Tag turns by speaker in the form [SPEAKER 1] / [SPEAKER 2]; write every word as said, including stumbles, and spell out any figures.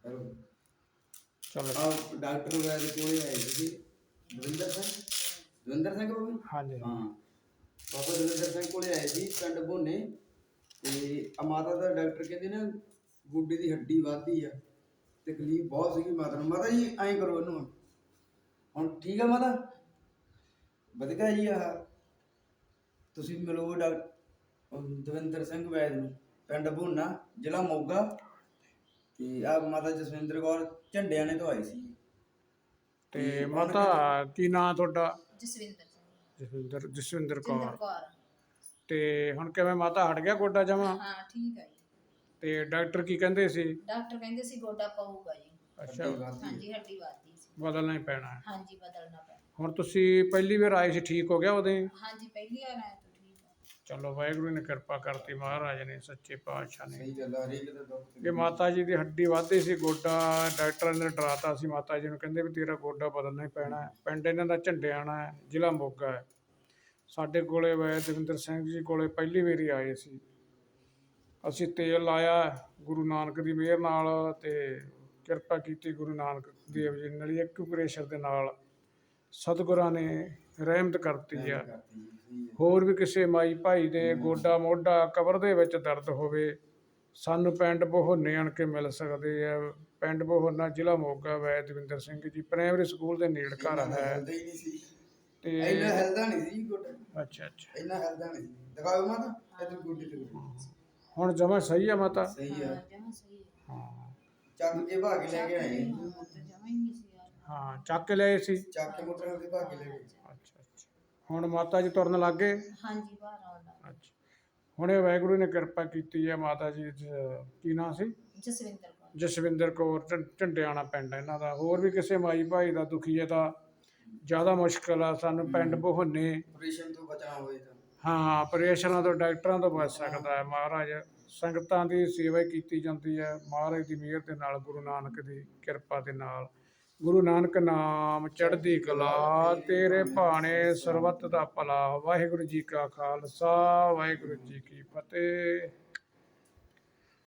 [SPEAKER 1] Hello
[SPEAKER 2] ਚਲੋ
[SPEAKER 1] ਆ doctor ਵੈਦ ਕੋਲੇ ਆਏ ਸੀ ਦਵਿੰਦਰ ਸਿੰਘ ਦਵਿੰਦਰ ਸਿੰਘ ਬਾਬੂ
[SPEAKER 2] ਹਾਂਜੀ
[SPEAKER 1] ਹਾਂ ਬਾਬਾ ਦਵਿੰਦਰ ਸਿੰਘ ਕੋਲੇ ਆਏ ਸੀ ਪਿੰਡ ਭੋਨੇ ਤੇ ਆ ਮਾਤਾ ਦਾ ਡਾਕਟਰ ਕਹਿੰਦੇ ਨਾ ਗੋਡੇ ਦੀ ਹੱਡੀ ਵੱਧਦੀ ਆ ਤਕਲੀਫ ਬਹੁਤ ਸੀਗੀ ਮਾਤਾ ਨੂੰ। ਮਾਤਾ ਜੀ ਐਂ ਕਰੋ ਇਹਨੂੰ ਹੁਣ ਹੁਣ ਠੀਕ ਆ ਮਾਤਾ ਵਧੀਆ ਜੀ। ਆ ਤੁਸੀਂ ਮਿਲੋ ਡਾਕਟਰ ਦਵਿੰਦਰ ਸਿੰਘ ਵੈਦ ਨੂੰ ਪਿੰਡ ਭੋਨਾ ਜ਼ਿਲ੍ਹਾ ਮੋਗਾ ਤੇ ਆ ਮਾਤਾ ਜਸਵਿੰਦਰ ਕੌਰ ਝੰਡਿਆਣੇ ਤੋਂ ਆਈ ਸੀ।
[SPEAKER 2] ਤੇ ਮਾਤਾ ਕੀ ਨਾਂ ਤੁਹਾਡਾ?
[SPEAKER 3] ਜਸਵਿੰਦਰ ਸਿੰਘ
[SPEAKER 2] ਜਸਵਿੰਦਰ ਜਸਵਿੰਦਰ
[SPEAKER 3] ਜਿੰਦਰ
[SPEAKER 2] ਕੌਰ।
[SPEAKER 3] ਕੌਰ।
[SPEAKER 2] ਤੇ ਹੁਣ ਕਿਵੇਂ ਮਾਤਾ ਹਟ ਗਿਆ ਗੋਡਾ ਜਮਾ?
[SPEAKER 3] ਹਾਂ ਠੀਕ ਹੈ ਜੀ।
[SPEAKER 2] ਤੇ ਡਾਕਟਰ ਕੀ ਕਹਿੰਦੇ ਸੀ?
[SPEAKER 3] ਡਾਕਟਰ ਕਹਿੰਦੇ ਸੀ ਗੋਡਾ ਪਊਗਾ ਜੀ।
[SPEAKER 2] ਅੱਛਾ
[SPEAKER 3] ਹਾਂਜੀ ਹੱਡੀ ਵੱਧਦੀ ਸੀ।
[SPEAKER 2] ਬਦਲਣਾ ਹੀ ਪੈਣਾ ਹੈ।
[SPEAKER 3] ਹਾਂਜੀ ਬਦਲਣਾ ਪੈਣਾ।
[SPEAKER 2] ਹੁਣ ਤੁਸੀਂ ਪਹਿਲੀ ਵਾਰ ਆਏ ਸੀ, ਠੀਕ ਹੋ ਗਿਆ ਉਹਦੇ?
[SPEAKER 3] ਹਾਂਜੀ ਪਹਿਲੀ ਵਾਰ ਆਇਆ ਤਾਂ ਠੀਕ ਹੈ।
[SPEAKER 2] ਚਲੋ ਵਾਹਿਗੁਰੂ ਨੇ ਕਿਰਪਾ ਕਰਤੀ, ਮਹਾਰਾਜ ਨੇ ਸੱਚੇ ਪਾਤਸ਼ਾਹ ਨੇ।
[SPEAKER 1] ਸਹੀ ਗੱਲ ਆ ਹਰੇਕ ਦਾ ਦੁੱਖ
[SPEAKER 2] ਇਹ ਮਾਤਾ ਜੀ ਦੀ ਹੱਡੀ ਵੱਧਦੀ ਸੀ, ਗੋਡਾ ਡਾਕਟਰਾਂ ਨੇ ਡਰਾਤਾ ਸੀ ਮਾਤਾ ਜੀ ਨੂੰ, ਕਹਿੰਦੇ ਵੀ ਤੇਰਾ ਗੋਡਾ ਬਦਲਣਾ ਹੀ ਪੈਣਾ ਹੈ। ਪਿੰਡ ਇਹਨਾਂ ਦਾ ਝੰਡਿਆਣਾ ਹੈ, ਜ਼ਿਲ੍ਹਾ ਮੋਗਾ ਹੈ। ਸਾਡੇ ਕੋਲੇ ਵੈਦ ਦਵਿੰਦਰ ਸਿੰਘ ਜੀ ਕੋਲੇ ਪਹਿਲੀ ਵਾਰੀ ਆਏ ਸੀ। ਅਸੀਂ ਤੇਲ ਲਾਇਆ ਗੁਰੂ ਨਾਨਕ ਦੀ ਮਿਹਰ ਨਾਲ ਤੇ ਕਿਰਪਾ ਕੀਤੀ ਗੁਰੂ ਨਾਨਕ ਦੇਵ ਜੀ ਨਾਲ, ਇੱਕ ਪ੍ਰੇਸ਼ਰ ਦੇ ਨਾਲ ਸਤਿਗੁਰਾਂ ਨੇ ਰਹਿਮਤ ਕਰਤੀ ਆ। ਹੋਰ ਵੀ ਕਿਸੇ ਮਾਈ ਭਾਈ ਦੇ ਗੋਡਾ ਮੋਢਾ ਕਬਰ ਦੇ ਵਿੱਚ ਦਰਦ ਹੋਵੇ, ਸਾਨੂੰ ਪਿੰਡ ਬਹੋਨੇ ਆਣ ਕੇ ਮਿਲ ਸਕਦੇ ਆ। ਪਿੰਡ ਬਹੋਨਾ ਜ਼ਿਲ੍ਹਾ ਮੋਗਾ, ਵੈਦ ਦਵਿੰਦਰ ਸਿੰਘ ਜੀ ਪ੍ਰਾਇਮਰੀ ਸਕੂਲ ਦੇ ਨੇੜ ਘਰ ਹੈ।
[SPEAKER 1] ਤੇ ਇੰਨਾ ਹਿਲਦਾ ਨਹੀਂ ਸੀ ਗੋਡਾ।
[SPEAKER 2] ਅੱਛਾ ਅੱਛਾ
[SPEAKER 1] ਇੰਨਾ ਹਿਲਦਾ ਨਹੀਂ ਸੀ। ਦਿਖਾਓ ਮਾਤਾ ਇਧਰ ਗੋਡੇ ਤੇ।
[SPEAKER 2] ਹੁਣ ਜਮਾ ਸਹੀ ਆ ਮਾਤਾ?
[SPEAKER 1] ਸਹੀ ਆ।
[SPEAKER 3] ਜਮਾਂ ਸਹੀ ਹੈ।
[SPEAKER 2] ਹਾਂ
[SPEAKER 1] ਚੱਕ ਕੇ ਭਾਗ ਲੈ ਕੇ ਆਏ।
[SPEAKER 3] ਹਾਂ ਤਾਂ ਜਮਾਂ ਹੀ ਨਹੀਂ ਸੀ ਯਾਰ।
[SPEAKER 2] ਹਾਂ ਚੱਕ ਕੇ ਲਏ ਸੀ।
[SPEAKER 1] ਚੱਕ ਕੇ ਮੋਟਰ ਤੇ ਭਾਗ ਲੈ ਗਏ।
[SPEAKER 2] ਅੱਛਾ ਅੱਛਾ ਹੁਣ ਮਾਤਾ ਜੀ ਤੁਰਨ ਲੱਗ ਗਏ?
[SPEAKER 3] ਹਾਂਜੀ ਬਾਹਰ ਆਉਂਦਾ।
[SPEAKER 2] ਅੱਛਾ ਹੁਣ ਇਹ ਵਾਹਿਗੁਰੂ ਨੇ ਕਿਰਪਾ ਕੀਤੀ ਹੈ। ਮਾਤਾ ਜੀ ਜ- ਕੀ ਨਾਂ ਸੀ?
[SPEAKER 3] ਜਸਵਿੰਦਰ ਕੌਰ।
[SPEAKER 2] ਜਸਵਿੰਦਰ ਕੌਰ, ਝੰ- ਝੰਡਿਆਣਾ ਪਿੰਡ ਇਹਨਾਂ ਦਾ। ਹੋਰ ਵੀ ਕਿਸੇ ਮਾਈ ਭਾਈ ਦਾ ਦੁਖੀ ਹੈ ਤਾਂ ਜ਼ਿਆਦਾ ਮੁਸ਼ਕਲ ਆ, ਸਾਨੂੰ ਪਿੰਡ ਬਹੋਨੇ।
[SPEAKER 1] ਆਪਰੇਸ਼ਨ ਤੋਂ ਬਚਣਾ ਹੋਵੇ ਤਾਂ
[SPEAKER 2] ਹਾਂ ਆਪਰੇਸ਼ਨਾਂ ਤੋਂ ਡਾਕਟਰਾਂ ਤੋਂ ਬਚ ਸਕਦਾ ਹੈ। ਮਹਾਰਾਜ ਸੰਗਤਾਂ ਦੀ ਸੇਵਾ ਹੀ ਕੀਤੀ ਜਾਂਦੀ ਹੈ ਮਹਾਰਾਜ ਦੀ ਮਿਹਰ ਦੇ ਨਾਲ, ਗੁਰੂ ਨਾਨਕ ਦੀ ਕਿਰਪਾ ਦੇ ਨਾਲ। ਗੁਰੂ ਨਾਨਕ ਨਾਮ ਚੜ੍ਹਦੀ ਕਲਾ, ਤੇਰੇ ਭਾਣੇ ਸਰਬੱਤ ਦਾ ਭਲਾ। ਵਾਹਿਗੁਰੂ ਜੀ ਕਾ ਖਾਲਸਾ, ਵਾਹਿਗੁਰੂ ਜੀ ਕੀ ਫਤਿਹ।